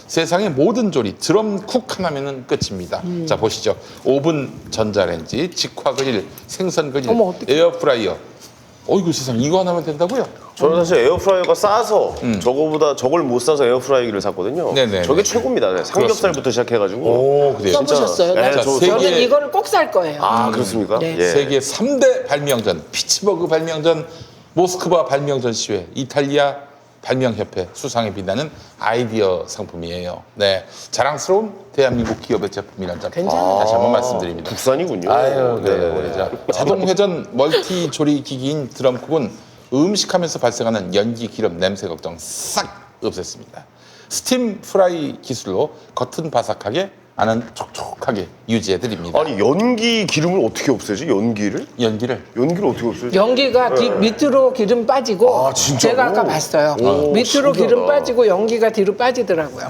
세상의 모든 조리 드럼쿡 하나면은 끝입니다. 자 보시죠. 오븐, 전자레인지, 직화 그릴, 생선 그릴, 어머, 어떡해. 에어프라이어. 어이구 세상 이거 하나면 된다고요? 저는 사실 에어프라이어가 싸서 저걸 못 사서 에어프라이기를 샀거든요. 네네네. 저게 최고입니다. 네, 삼겹살부터 시작해가지고. 오 그래요. 써보셨어요? 네, 나 저- 저는 세계- 이거를 꼭 살 거예요. 아 그렇습니까? 네. 예. 세계 3대 발명전, 피츠버그 발명전, 모스크바 발명전 시회, 이탈리아 발명협회 수상에 빛나는 아이디어 상품이에요. 네, 자랑스러운 대한민국 기업의 제품이라는 점 괜찮아요. 다시 한번 말씀드립니다. 국산이군요. 아유, 네, 네네네. 우리 자 자동 회전 멀티 조리 기기인 드럼쿡은 음식하면서 발생하는 연기, 기름, 냄새 걱정 싹 없앴습니다. 스팀 프라이 기술로 겉은 바삭하게, 안은 촉촉하게 유지해드립니다. 아니 연기 기름을 어떻게 없애지? 연기를 어떻게 없애지? 연기가 밑으로 기름 빠지고 아, 진짜로? 제가 아까 봤어요. 오, 밑으로 신기하다. 기름 빠지고 연기가 뒤로 빠지더라고요.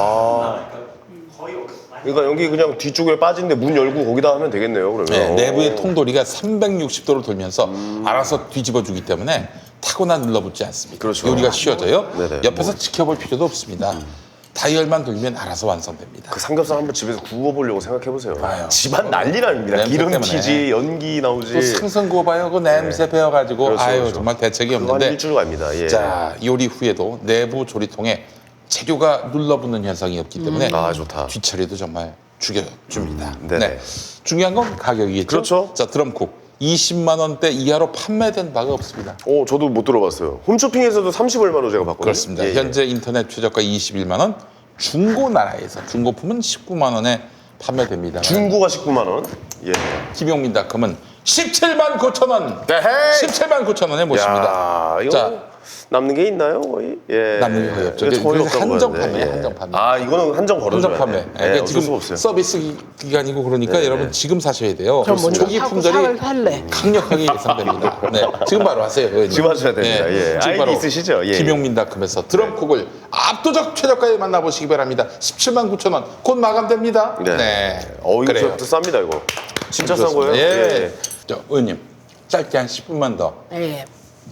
그러니까 연기 그냥 뒤쪽에 빠진데 문 열고 거기다 하면 되겠네요. 그러면. 네, 내부의 통돌이가 360도로 돌면서 알아서 뒤집어주기 때문에 타거나 눌러붙지 않습니다. 그렇죠. 요리가 쉬워져요. 네네. 옆에서 지켜볼 필요도 없습니다. 다이얼만 돌면 알아서 완성됩니다. 그 삼겹살 한번 집에서 구워보려고 생각해보세요. 아유. 집안 난리 납니다. 냄새 기름 때문에. 튀지, 연기 나오지. 또 생선 구워봐요. 그 냄새 배워가지고 그렇죠, 아유 그렇죠. 정말 대책이 그거 한 없는데. 일주일 갑니다. 예. 자 요리 후에도 내부 조리통에 재료가 눌러붙는 현상이 없기 때문에 아, 좋다. 뒤처리도 정말 죽여줍니다. 네네. 네. 중요한 건 가격이겠죠. 그렇죠. 자 드럼쿡 20만 원대 이하로 판매된 바가 없습니다. 저도 못 들어봤어요. 홈쇼핑에서도 30 얼마로 제가 봤거든요. 그렇습니다. 예, 예. 현재 인터넷 최저가 21만 원, 중고 나라에서 중고품은 19만 원에 판매됩니다. 중고가 19만 원. 예. 김용민닷컴은 17만 9천 원, 에헤이. 17만 9천 원에 모십니다. 야, 이거 자. 남는 게 있나요, 거의? 예. 남는 게 거의 없죠. 거의 그래서 없다고 한정 하는데, 판매예요, 예. 한정 판매. 아, 이거는 한정 걸어줘야 한정 판매. 돼. 예, 그러니까 어쩔 지금 수가 없어요. 서비스 기간이고 그러니까 여러분 지금 사셔야 돼요. 그럼 먼저 초기 사고 품절이 살래. 강력하게 예상됩니다. 네, 지금 바로 하세요. 의원님. 지금 하셔야 됩니다. 예. 지금 아이디 바로 있으시죠? 예. 김용민닷컴에서 드럼쿡을 압도적 최저가에 만나보시기 바랍니다. 17만 9천 원. 곧 마감됩니다. 네. 이거 그래요. 또 쌉니다, 이거. 진짜 싼 좋습니다. 거예요? 예. 저 의원님 짧게 한 10분만 더. 네.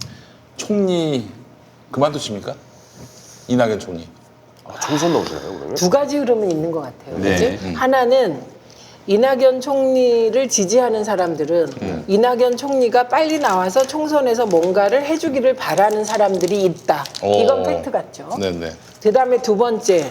총리 그만두십니까? 이낙연 총리. 총선 나오시나요, 그러면? 두 가지 흐름은 있는 것 같아요. 네. 그치? 하나는 이낙연 총리를 지지하는 사람들은 이낙연 총리가 빨리 나와서 총선에서 뭔가를 해주기를 바라는 사람들이 있다. 이건 팩트 같죠. 네네. 그다음에 두 번째,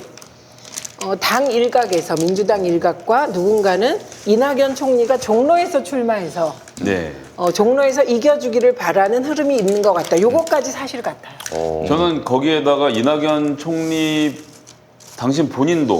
당 일각에서 민주당 일각과 누군가는 이낙연 총리가 종로에서 출마해서 네. 종로에서 이겨주기를 바라는 흐름이 있는 것 같다. 요것까지 사실 같아요. 저는 거기에다가 이낙연 총리 당신 본인도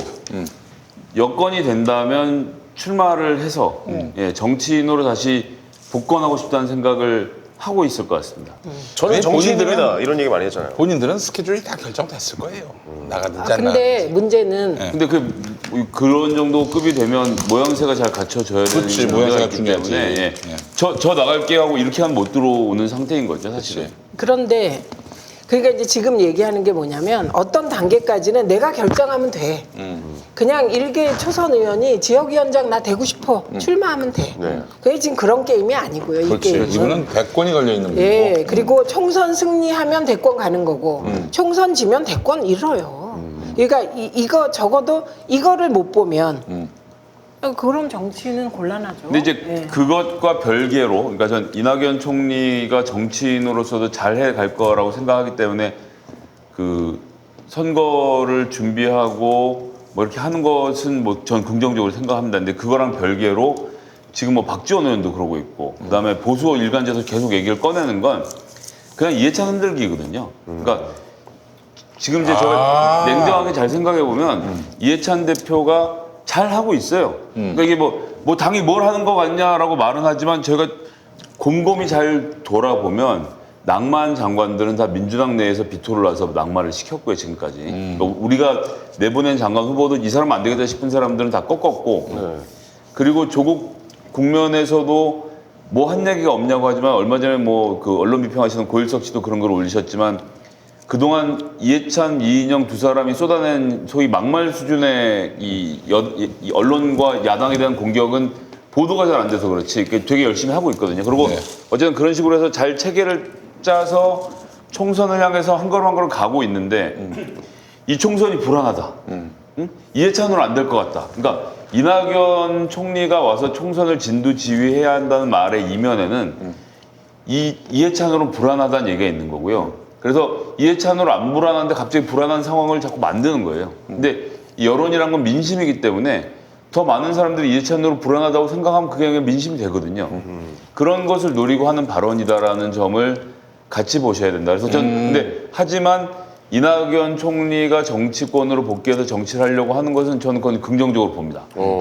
여건이 된다면 출마를 해서 예, 정치인으로 다시 복권하고 싶다는 생각을 하고 있을 것 같습니다. 저는 왜 정치인입니다. 본인들은- 이런 얘기 많이 했잖아요. 본인들은 스케줄이 다 결정됐을 거예요. 나가든지 안 근데 나가든지. 문제는 근데 그런 정도 급이 되면 모양새가 잘 갖춰져야 되는 그렇지, 문제가 모양새가 있기 중요하지. 때문에, 예. 예. 저 나갈게 하고 이렇게 하면 못 들어오는 상태인 거죠, 사실은. 그런데 그러니까 이제 지금 얘기하는 게 뭐냐면 어떤 단계까지는 내가 결정하면 돼. 그냥 일개 초선 의원이 지역위원장 나 되고 싶어 출마하면 돼. 네. 그게 지금 그런 게임이 아니고요. 이 그렇지. 게임은. 이분은 대권이 걸려 있는 분이고. 예, 그리고 총선 승리하면 대권 가는 거고 총선 지면 대권 잃어요. 그러니까 이거 적어도 이거를 못 보면 그럼 정치는 곤란하죠. 근데 이제 예. 그것과 별개로, 그러니까 전 이낙연 총리가 정치인으로서도 잘해 갈 거라고 생각하기 때문에 그 선거를 준비하고 뭐 이렇게 하는 것은 뭐 전 긍정적으로 생각합니다. 근데 그거랑 별개로 지금 뭐 박지원 의원도 그러고 있고, 그다음에 보수 일간지에서 계속 얘기를 꺼내는 건 그냥 이해찬 흔들기거든요. 그러니까 지금 이제 제가 냉정하게 잘 생각해 보면 이해찬 대표가 잘 하고 있어요. 그러니까 이게 뭐 당이 뭘 하는 것 같냐라고 말은 하지만 제가 곰곰이 잘 돌아보면 낭만 장관들은 다 민주당 내에서 비토를 놔서 낙마를 시켰고요, 지금까지. 그러니까 우리가 내보낸 장관 후보도 이 사람 안 되겠다 싶은 사람들은 다 꺾었고, 그리고 조국 국면에서도 뭐 한 얘기가 없냐고 하지만 얼마 전에 뭐 그 언론 비평하시는 고일석 씨도 그런 걸 올리셨지만 그동안 이해찬, 이인영 두 사람이 쏟아낸 소위 막말 수준의 이 언론과 야당에 대한 공격은 보도가 잘 안 돼서 그렇지 되게 열심히 하고 있거든요. 그리고 네. 어쨌든 그런 식으로 해서 잘 체계를 짜서 총선을 향해서 한 걸음 한 걸음 가고 있는데 이 총선이 불안하다. 이해찬으로 안 될 것 같다. 그러니까 이낙연 총리가 와서 총선을 진두지휘해야 한다는 말의 이면에는 이해찬으로 불안하다는 얘기가 있는 거고요. 그래서 이해찬으로 안 불안한데 갑자기 불안한 상황을 자꾸 만드는 거예요. 근데 이 여론이란 건 민심이기 때문에 더 많은 사람들이 이해찬으로 불안하다고 생각하면 그게 그냥 민심이 되거든요. 그런 것을 노리고 하는 발언이다라는 점을 같이 보셔야 된다. 그래서 근데 하지만 이낙연 총리가 정치권으로 복귀해서 정치를 하려고 하는 것은 저는 그건 긍정적으로 봅니다.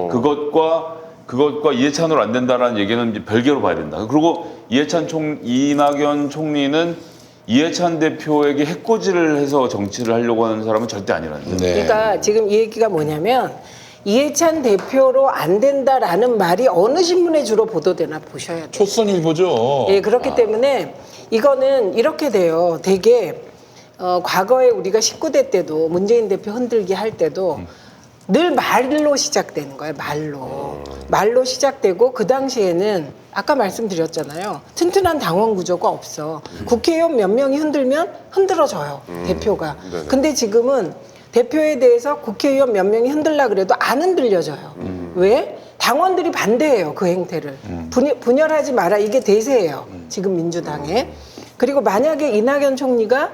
그것과 이해찬으로 안 된다라는 얘기는 이제 별개로 봐야 된다. 그리고 이낙연 총리는 이해찬 대표에게 해코지를 해서 정치를 하려고 하는 사람은 절대 아니라는 거예요. 네. 그러니까 지금 이 얘기가 뭐냐면 이해찬 대표로 안 된다라는 말이 어느 신문에 주로 보도되나 보셔야 돼요. 초선일보죠. 예, 그렇기 때문에 이거는 이렇게 돼요. 되게 과거에 우리가 19대 때도 문재인 대표 흔들기 할 때도 늘 말로 시작되는 거예요. 말로 시작되고 그 당시에는 아까 말씀드렸잖아요. 튼튼한 당원 구조가 없어. 국회의원 몇 명이 흔들면 흔들어져요. 대표가. 네네. 근데 지금은 대표에 대해서 국회의원 몇 명이 흔들라 그래도 안 흔들려져요. 왜? 당원들이 반대해요. 그 행태를. 분열하지 마라. 이게 대세예요. 지금 민주당에. 그리고 만약에 이낙연 총리가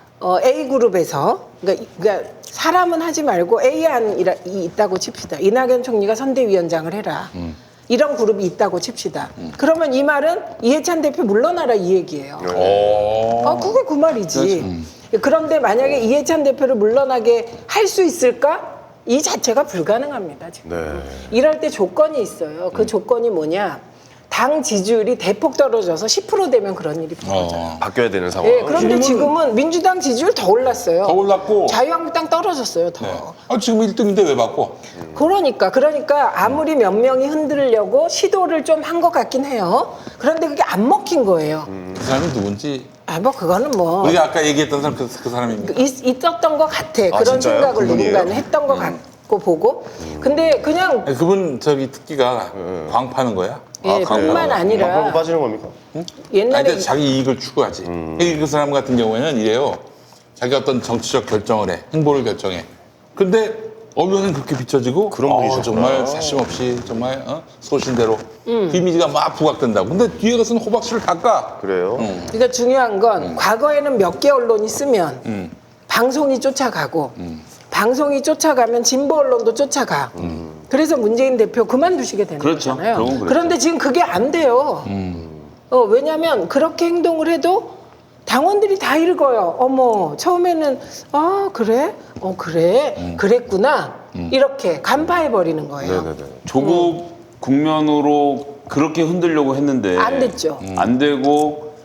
A그룹에서 그러니까 사람은 하지 말고 A안이 있다고 칩시다. 이낙연 총리가 선대위원장을 해라. 이런 그룹이 있다고 칩시다. 그러면 이 말은 이해찬 대표 물러나라 이 얘기예요. 그게 그 말이지. 그런데 만약에 이해찬 대표를 물러나게 할 수 있을까? 이 자체가 불가능합니다. 지금. 네. 이럴 때 조건이 있어요. 그 조건이 뭐냐? 당 지지율이 대폭 떨어져서 10% 되면 그런 일이 벌어져요. 바뀌어야 되는 상황. 예, 그런데 지금은 민주당 지지율 더 올랐어요. 더 올랐고. 자유한국당 떨어졌어요, 더. 네. 지금 1등인데 왜 바꿔? 그러니까 아무리 몇 명이 흔들려고 시도를 좀 한 것 같긴 해요. 그런데 그게 안 먹힌 거예요. 그 사람이 누군지. 그거는 뭐 우리가 아까 얘기했던 사람 그 사람입니다. 있었던 것 같아. 그런 진짜요? 생각을 그분이에요? 누군가는 했던 것 같고 보고. 근데 그냥 그분 특기가 광 파는 거야? 뿐만 아니라 방금 빠지는 겁니까? 옛날에 근데 자기 이익을 추구하지. 그 사람 같은 경우에는 이래요. 자기가 어떤 정치적 결정을 해. 행보를 결정해. 근데 언론은 그렇게 비춰지고 그런 분이셨구나. 정말 사심 없이 정말 소신대로 그 이미지가 막 부각된다고. 근데 뒤에 가서는 호박씨를 닦아. 그래요? 그러니까 중요한 건 과거에는 몇 개 언론이 쓰면 방송이 쫓아가고 방송이 쫓아가면 진보 언론도 쫓아가. 그래서 문재인 대표 그만두시게 되는 그렇죠. 거잖아요. 그런 건 그렇죠. 그런데 지금 그게 안 돼요. 왜냐하면 그렇게 행동을 해도 당원들이 다 읽어요. 어머, 처음에는 그래? 그래? 그랬구나. 이렇게 간파해 버리는 거예요. 네네네. 조국 국면으로 그렇게 흔들려고 했는데 안 됐죠. 안 되고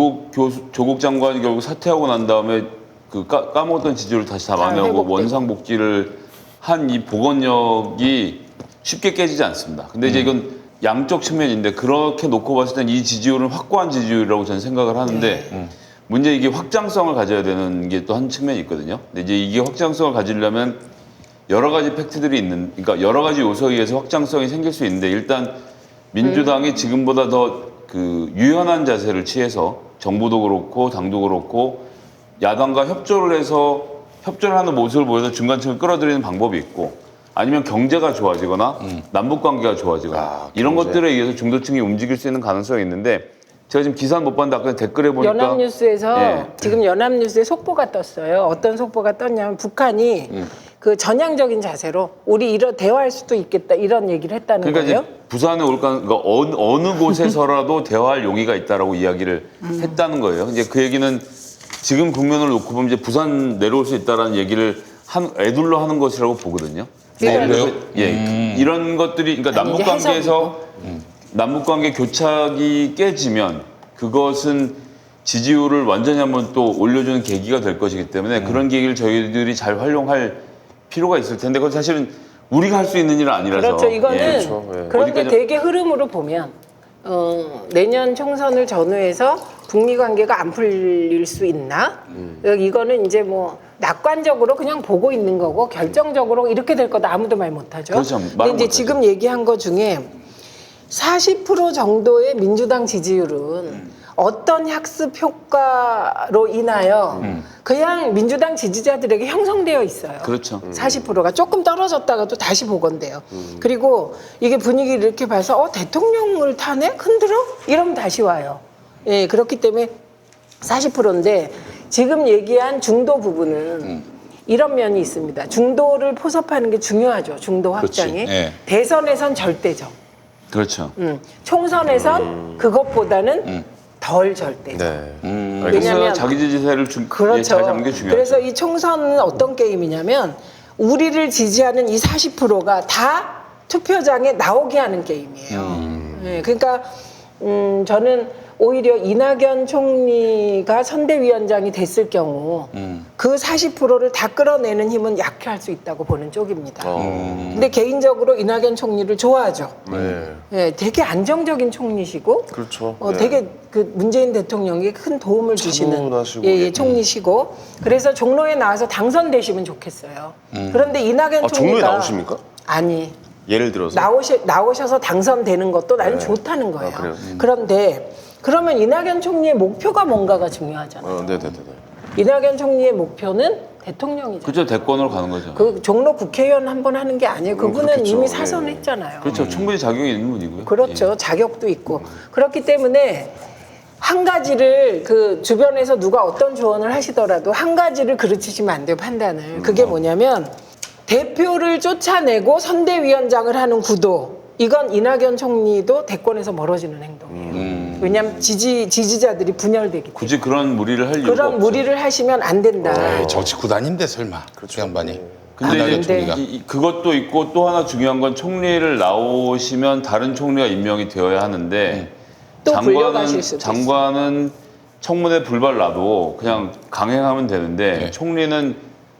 조국 장관이 결국 사퇴하고 난 다음에 그 까먹었던 지지율을 다시 다 만회하고 회복되고. 원상복귀를 한 이 복원력이 쉽게 깨지지 않습니다. 근데 이제 이건 양쪽 측면인데 그렇게 놓고 봤을 땐 이 지지율은 확고한 지지율이라고 저는 생각을 하는데 문제 이게 확장성을 가져야 되는 게 또 한 측면이 있거든요. 근데 이제 이게 확장성을 가지려면 여러 가지 팩트들이 그러니까 여러 가지 요소에 의해서 확장성이 생길 수 있는데 일단 민주당이 지금보다 더 그 유연한 자세를 취해서 정부도 그렇고 당도 그렇고 야당과 협조를 해서 협조를 하는 모습을 보여서 중간층을 끌어들이는 방법이 있고 아니면 경제가 좋아지거나 남북 관계가 좋아지거나 이런 경제. 것들에 의해서 중도층이 움직일 수 있는 가능성이 있는데 제가 지금 기사는 못 봤는데 아까 댓글에 보니까 연합뉴스에서 예. 지금 연합뉴스에 속보가 떴어요. 어떤 속보가 떴냐면 북한이 그 전향적인 자세로 우리 대화할 수도 있겠다 이런 얘기를 했다는 그러니까 거예요. 이제 부산에 올 그러니까 어느 곳에서라도 대화할 용의가 있다라고 이야기를 했다는 거예요. 이제 그 얘기는 지금 국면을 놓고 보면 이제 부산 내려올 수 있다라는 얘기를 애둘러 하는 것이라고 보거든요. 그래요? 예, 이런 것들이 그러니까 아니, 남북 이제 관계에서 남북 관계 교착이 깨지면 그것은 지지율을 완전히 한번 또 올려주는 계기가 될 것이기 때문에 그런 계기를 저희들이 잘 활용할 필요가 있을 텐데 그건 사실은 우리가 할 수 있는 일은 아니라서. 그렇죠. 이거는 그렇죠. 예. 그런데 어디까지- 대개 흐름으로 보면 내년 총선을 전후해서 북미 관계가 안 풀릴 수 있나? 이거는 이제 뭐 낙관적으로 그냥 보고 있는 거고 결정적으로 이렇게 될 거다 아무도 말 못하죠. 그렇죠. 말은 근데 이제 못하죠. 지금 얘기한 거 중에 40% 정도의 민주당 지지율은 어떤 학습 효과로 인하여 그냥 민주당 지지자들에게 형성되어 있어요. 그렇죠. 40%가 조금 떨어졌다가도 다시 보건돼요. 그리고 이게 분위기를 이렇게 봐서 대통령을 타네? 흔들어? 이러면 다시 와요. 예, 그렇기 때문에 40%인데 지금 얘기한 중도 부분은 이런 면이 있습니다. 중도를 포섭하는 게 중요하죠. 중도 그렇지. 확장이. 예. 대선에선 절대적. 그렇죠. 총선에선 그것보다는 덜 절대적. 네. 왜냐면- 그래서 자기 지지세를 잘 그렇죠. 잡는 게 중요하죠. 그래서 이 총선은 어떤 게임이냐면 우리를 지지하는 이 40%가 다 투표장에 나오게 하는 게임이에요. 네, 그러니까 저는 오히려 이낙연 총리가 선대위원장이 됐을 경우 그 40%를 다 끌어내는 힘은 약해할 수 있다고 보는 쪽입니다. 근데 개인적으로 이낙연 총리를 좋아하죠. 네. 네, 되게 안정적인 총리시고 그렇죠. 네. 되게 그 문재인 대통령에게 큰 도움을 주시는 차분하시고. 총리시고 그래서 종로에 나와서 당선되시면 좋겠어요. 그런데 이낙연 아, 종로에 총리가 나오십니까? 아니 예를 들어서. 나오셔서 당선되는 것도 나는 네. 좋다는 거예요. 아, 그래요? 그런데 그러면 이낙연 총리의 목표가 뭔가가 중요하잖아요. 네네네. 이낙연 총리의 목표는 대통령이죠. 그렇죠. 대권으로 가는 거죠. 그 종로 국회의원 한 번 하는 게 아니에요. 그분은 그렇겠죠. 이미 예. 사선했잖아요. 그렇죠. 충분히 자격이 있는 분이고요. 그렇죠. 자격도 있고. 그렇기 때문에 한 가지를 그 주변에서 누가 어떤 조언을 하시더라도 한 가지를 그르치시면 안 돼요, 판단을. 그게 뭐냐면 대표를 쫓아내고 선대위원장을 하는 구도. 이건 이낙연 총리도 대권에서 멀어지는 행동이에요. 왜냐하면 지지자들이 분열되기 때문에. 굳이 그런 무리를 할 이유가 그런 없죠. 무리를 하시면 안 된다. 에이, 정치 구단인데 설마 그 양반이. 근데 이낙연 이제 총리가. 그것도 있고 또 하나 중요한 건 총리를 나오시면 다른 총리가 임명이 되어야 하는데 또 불려가실 수도 장관은 청문회 불발 놔도 그냥 강행하면 되는데 네. 총리는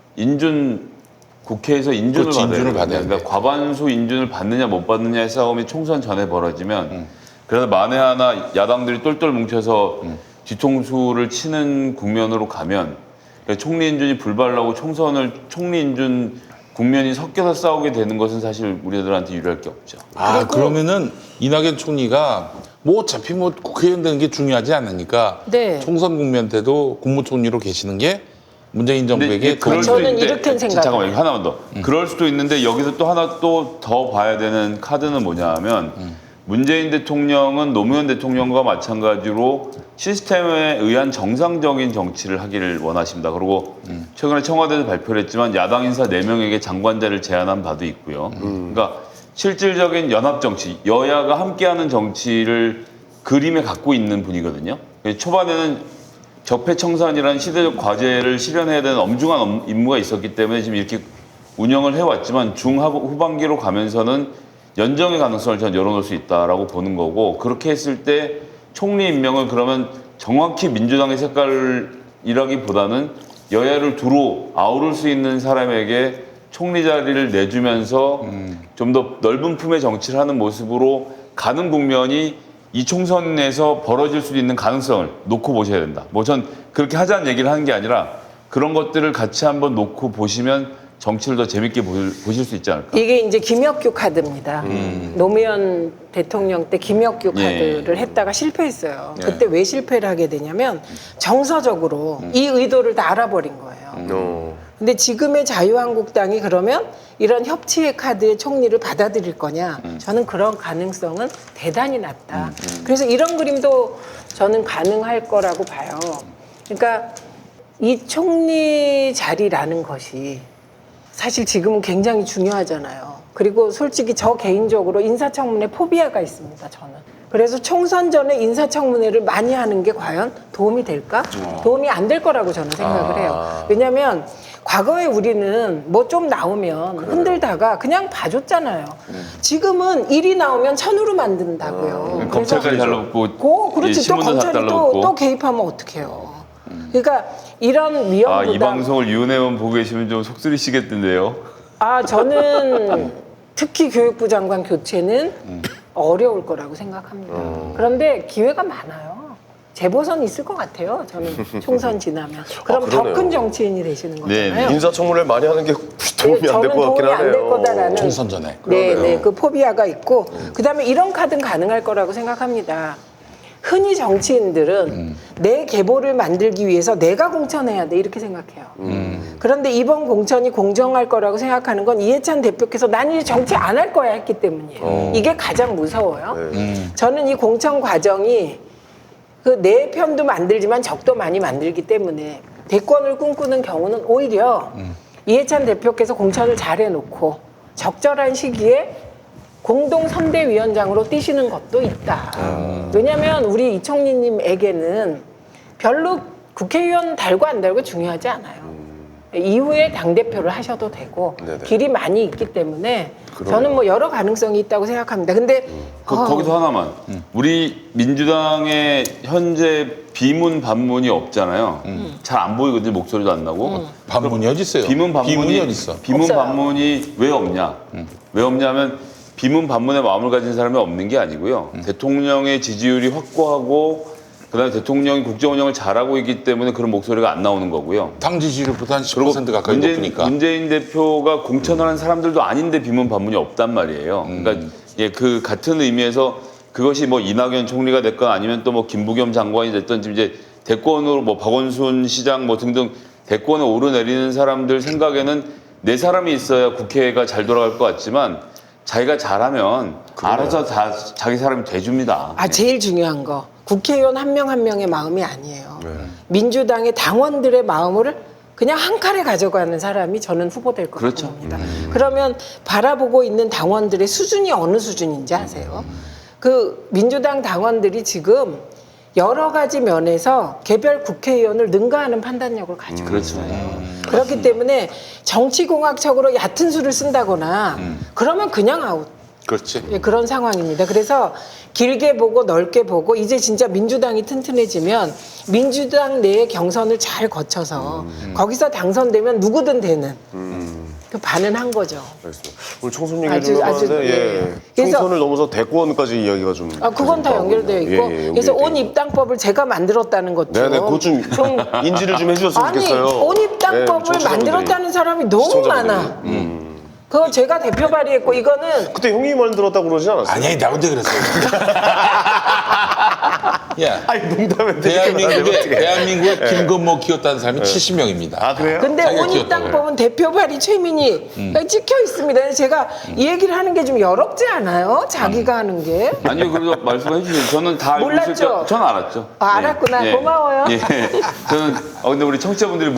국회에서 인준을 그렇지, 받아야 인준을 돼요. 받아야 그러니까 돼. 과반수 인준을 받느냐 못 받느냐의 싸움이 총선 전에 벌어지면 그래서 만에 하나 야당들이 똘똘 뭉쳐서 뒤통수를 치는 국면으로 가면 그러니까 총리 인준이 불발나고 총리 인준 국면이 섞여서 싸우게 되는 것은 사실 우리들한테 유리할 게 없죠. 아, 그러면은 이낙연 총리가 뭐 어차피 뭐 국회의원 되는 게 중요하지 않으니까 네. 총선 국면 때도 국무총리로 계시는 게 문재인 정부에게 그럴 더 수도 저는 있는데, 이렇게 생각해요. 잠깐만요. 하나만 더. 그럴 수도 있는데 여기서 또 하나 또 더 봐야 되는 카드는 뭐냐면 문재인 대통령은 노무현 대통령과 마찬가지로 시스템에 의한 정상적인 정치를 하기를 원하십니다. 그리고 최근에 청와대에서 발표를 했지만 야당 인사 4명에게 장관자를 제안한 바도 있고요. 그러니까 실질적인 연합 정치, 여야가 함께하는 정치를 그림에 갖고 있는 분이거든요. 초반에는 적폐청산이라는 시대적 과제를 실현해야 되는 엄중한 임무가 있었기 때문에 지금 이렇게 운영을 해왔지만 후반기로 가면서는 연정의 가능성을 전 열어놓을 수 있다라고 보는 거고 그렇게 했을 때 총리 임명을 그러면 정확히 민주당의 색깔이라기보다는 여야를 두루 아우를 수 있는 사람에게 총리 자리를 내주면서 좀 더 넓은 품의 정치를 하는 모습으로 가는 국면이 이 총선에서 벌어질 수 있는 가능성을 놓고 보셔야 된다. 뭐 전 그렇게 하자는 얘기를 하는 게 아니라 그런 것들을 같이 한번 놓고 보시면 정치를 더 재밌게 보실 수 있지 않을까. 이게 이제 김혁규 카드입니다. 노무현 대통령 때 김혁규 예. 카드를 했다가 실패했어요. 예. 그때 왜 실패를 하게 되냐면 정서적으로 이 의도를 다 알아버린 거예요. 근데 지금의 자유한국당이 그러면 이런 협치의 카드의 총리를 받아들일 거냐? 저는 그런 가능성은 대단히 낮다. 그래서 이런 그림도 저는 가능할 거라고 봐요. 그러니까 이 총리 자리라는 것이 사실 지금은 굉장히 중요하잖아요. 그리고 솔직히 저 개인적으로 인사청문회 포비아가 있습니다, 저는. 그래서 총선 전에 인사청문회를 많이 하는 게 과연 도움이 될까? 도움이 안 될 거라고 저는 생각을 해요. 왜냐하면 과거에 우리는 뭐 좀 나오면 흔들다가 그냥 봐줬잖아요. 지금은 일이 나오면 천으로 만든다고요. 검찰까지 달라붙고 그렇지. 또 신문도 다 검찰이 달라붙고. 또 개입하면 어떡해요. 그러니까 이런 위험보다 이 방송을 유은 의원 보고 계시면 좀 속쓰리시겠던데요. 저는 특히 교육부 장관 교체는 어려울 거라고 생각합니다. 그런데 기회가 많아요. 재보선 있을 것 같아요. 저는 총선 지나면. 그럼 더 그러네요. 큰 정치인이 되시는 네, 거잖아요. 인사청문회를 많이 하는 게 도움이 안 될 저는 것 같긴 도움이 안 될 하네요. 거다라는 총선 전에. 네, 그 포비아가 있고 그다음에 이런 카드는 가능할 거라고 생각합니다. 흔히 정치인들은 내 계보를 만들기 위해서 내가 공천해야 돼 이렇게 생각해요. 그런데 이번 공천이 공정할 거라고 생각하는 건 이해찬 대표께서 난 이제 정치 안 할 거야 했기 때문이에요. 이게 가장 무서워요. 저는 이 공천 과정이 그 내 편도 만들지만 적도 많이 만들기 때문에 대권을 꿈꾸는 경우는 오히려 이해찬 대표께서 공천을 잘 해놓고 적절한 시기에 공동 선대위원장으로 뛰시는 것도 있다. 왜냐하면 우리 이총리님에게는 별로 국회의원 달고 안 달고 중요하지 않아요. 이후에 당대표를 하셔도 되고 네네. 길이 많이 있기 때문에 저는 뭐 여러 가능성이 있다고 생각합니다. 근데 거기서 하나만. 우리 민주당의 현재 비문 반문이 없잖아요. 잘 안 보이거든요. 목소리도 안 나고. 반문이 어디 있어요? 비문 반문이 어디 있어? 비문 없어요. 반문이 왜 없냐? 왜 없냐면 비문 반문의 마음을 가진 사람이 없는 게 아니고요. 대통령의 지지율이 확고하고 그다음에 대통령이 국정 운영을 잘하고 있기 때문에 그런 목소리가 안 나오는 거고요. 당 지지율보다 한 10% 가까이 높으니까. 문재인 대표가 공천을 한 사람들도 아닌데 비문 반문이 없단 말이에요. 그러니까 예, 그 같은 의미에서 그것이 뭐 이낙연 총리가 됐건 아니면 또 뭐 김부겸 장관이 됐든 지금 이제 대권으로 뭐 박원순 시장 뭐 등등 대권에 오르내리는 사람들 생각에는 내 사람이 있어야 국회가 잘 돌아갈 것 같지만 자기가 잘하면 알아서 다 자기 사람이 돼줍니다. 제일 중요한 거 국회의원 한 명 한 명의 마음이 아니에요. 민주당의 당원들의 마음을 그냥 한 칼에 가져가는 사람이 저는 후보될 거라고 그렇죠. 봅니다. 그러면 바라보고 있는 당원들의 수준이 어느 수준인지 아세요? 그 민주당 당원들이 지금 여러 가지 면에서 개별 국회의원을 능가하는 판단력을 가지고 있어요. 그렇기 때문에 정치공학적으로 얕은 수를 쓴다거나 그러면 그냥 아웃. 그렇지. 예, 그런 상황입니다. 그래서 길게 보고 넓게 보고 이제 진짜 민주당이 튼튼해지면 민주당 내의 경선을 잘 거쳐서 거기서 당선되면 누구든 되는 그 반은 한 거죠. 알겠습니다. 오늘 총선 얘기 아주, 좀 아주, 해봤는데 예. 예. 그래서- 총선을 넘어서 대권까지 이야기가 좀 그건 다 나오고 연결되어 있네요. 있고 예, 예, 그래서 연결돼 온 있고. 입당법을 제가 만들었다는 것도 네네, 그것 좀 인지를 좀 해주셨으면 아니 좋겠어요. 온 입당법을 예, 청취자분들이, 만들었다는 사람이 너무 시청자분들이. 많아. 그거 제가 대표 발의했고 이거는 그때 형님이 만들었다고 그러지 않았어요? 아니, 나 혼자 그랬어요. 야, 아니 농담인데 대한민국에 김건모 키웠다는 사람이 70명입니다. 아 그래요? 근데 자기가 온 키웠다고 입당법은 대표 발의 최민희 찍혀 있습니다. 그래서 제가 이 얘기를 하는 게 좀 어렵지 않아요? 자기가 하는 게. 아니요, 그래서 말씀해 주세요. 저는 다 알고 몰랐죠? 있을 때, 저는 알았죠. 알았구나. 고마워요. 예, 저는 근데 우리 청취자분들이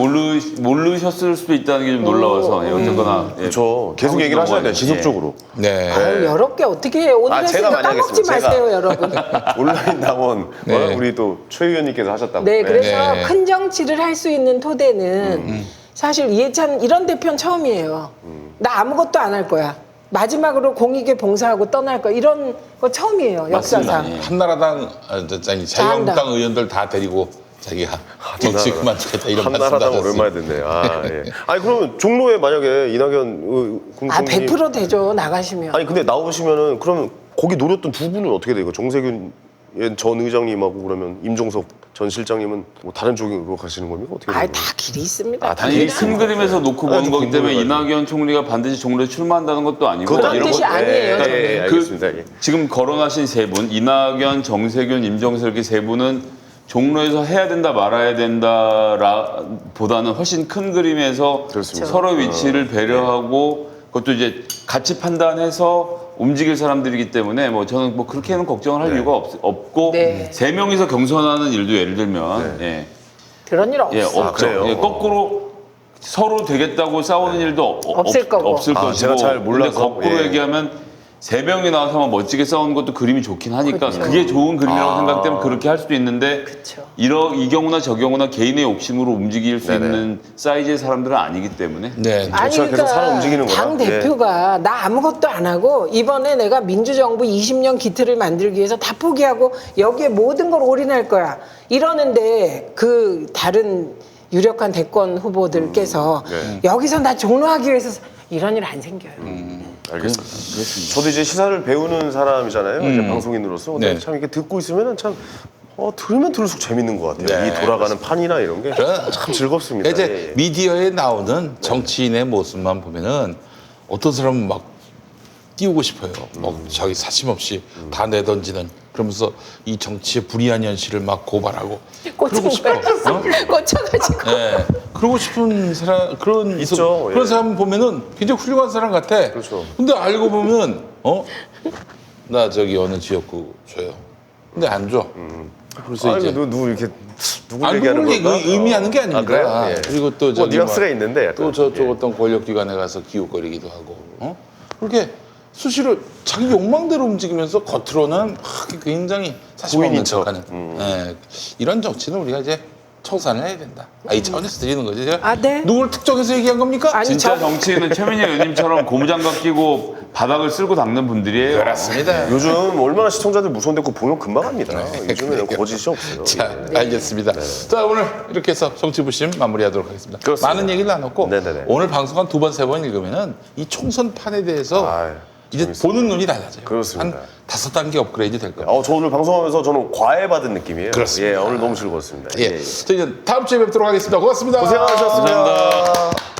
모르셨을 수도 있다는 게 좀 놀라워서 예, 어쨌거나 예, 그렇죠. 계속 하고 얘기를 싶은 하셔야 돼요. 거예요. 지속적으로. 네. 아유, 어렵게 어떻게 해요? 오늘 제가 했으니까 많이 까먹지 하겠습니다. 마세요, 제가. 여러분. 온라인 당원 네. 우리 또 최 의원님께서 하셨다고. 네, 그래서 네. 큰 정치를 할 수 있는 토대는 사실 이해찬 이런 대표는 처음이에요. 나 아무것도 안 할 거야. 마지막으로 공익에 봉사하고 떠날 거야. 이런 거 처음이에요, 역사상. 맞습니다. 예. 한나라당, 자유한국당 의원들 다 데리고 자기가 정치 그만두겠다 이런 말씀 한나라당 하셨어요. 오랜만에 듣네. 아, 예. 아니 그러면 종로에 만약에 이낙연 공청님 100% 되죠, 나가시면. 아니 근데 나오시면은 그러면 거기 노렸던 두 분은 어떻게 돼요? 정세균 전 의장님하고 그러면 임종석 전 실장님은 뭐 다른 쪽으로 가시는 겁니까? 어떻게 되는 다 길이 있습니다. 아, 다 아니 길이 이게 큰 그림에서 놓고 아주 보는 거기 때문에 궁금해가지고. 이낙연 총리가 반드시 종로에 출마한다는 것도 아니고 그런 이런 뜻이 거- 아니에요, 저는. 예, 알겠습니다. 예. 지금 거론하신 세 분, 이낙연, 정세균, 임종석 이렇게 세 분은 종로에서 해야 된다 말아야 된다 보다는 훨씬 큰 그림에서 그렇습니다. 서로 위치를 배려하고 그것도 이제 같이 판단해서 움직일 사람들이기 때문에 뭐 저는 뭐 그렇게는 걱정을 할 이유가 없고 네. 세 명이서 경선하는 일도 예를 들면 예, 그런 일 없어. 예, 없죠. 그래요? 예, 거꾸로 서로 되겠다고 싸우는 일도 없을 거고. 없을 아, 것이고. 제가 잘 몰라서, 근데 거꾸로 예. 얘기하면 세 명이 나와서 멋지게 싸우는 것도 그림이 좋긴 하니까 그렇죠. 그게 좋은 그림이라고 생각되면 그렇게 할 수도 있는데 그쵸. 이 경우나 저 경우나 개인의 욕심으로 움직일 수 네네. 있는 사이즈의 사람들은 아니기 때문에 네. 정치가 계속 살아 움직이는구나. 당 예. 대표가 나 아무것도 안 하고 이번에 내가 민주정부 20년 기틀을 만들기 위해서 다 포기하고 여기에 모든 걸 올인할 거야. 이러는데 그 다른 유력한 대권 후보들께서 여기서 나 종로하기 위해서 이런 일 안 생겨요. 알겠습니다. 저도 이제 시사를 배우는 사람이잖아요. 이제 방송인으로서. 근데 네. 참 이렇게 듣고 있으면은 참 들으면 들을수록 재밌는 것 같아요. 네, 이 돌아가는 판이나 이런 게 그래. 참 즐겁습니다. 이제 예, 예. 미디어에 나오는 정치인의 모습만 보면은 어떤 사람은 막 띄우고 싶어요. 막 자기 사심 없이 다 내던지는 그러면서 이 정치의 불이한 현실을 막 고발하고 그러고 싶어. 꽂혀가지고. 네. 그러고 싶은 사람 그런 있죠. 그런 예. 사람 보면은 굉장히 훌륭한 사람 같아. 그렇죠. 근데 알고 보면 나 저기 어느 지역구 줘요. 근데 안 줘. 그래서 아니, 이제 누구 이렇게 누구 안 얘기하는 누굴 건가? 의미하는 게 아닙니다. 그래요? 예. 그리고 또 뭐 저기 뉘앙스가 있는데 약간. 또 저쪽 예. 어떤 권력기관에 가서 기웃거리기도 하고 그렇게 수시로 자기 욕망대로 움직이면서 겉으로는 막 굉장히 사심 없는 고인인 척. 척하는 예, 이런 정치는 우리가 이제 청산을 해야 된다. 이 차원에서 드리는 거지. 제가 아, 네. 누굴 특정해서 얘기한 겁니까? 아니, 진짜 저- 정치인은 최민희 의원님처럼 고무장갑 끼고 바닥을 쓸고 닦는 분들이에요. 그렇습니다. 요즘 얼마나 시청자들 무서운데 그거 보면 금방 합니다. 요즘에는 거짓이 없어요. 자, 예. 알겠습니다. 자, 오늘 이렇게 해서 정치부심 마무리하도록 하겠습니다. 그렇습니다. 많은 얘기를 나눴고 네네네. 오늘 방송 한 2번, 3번 읽으면은 이 총선판에 대해서 아유, 이제 보는 눈이 달라져요. 그렇습니다. 한 5단계 업그레이드 될 겁니다. 저 오늘 방송하면서 저는 과외받은 느낌이에요. 그렇습니다. 예, 오늘 너무 즐거웠습니다. 예. 저희는 다음 주에 뵙도록 하겠습니다. 고맙습니다. 고생하셨습니다. 감사합니다.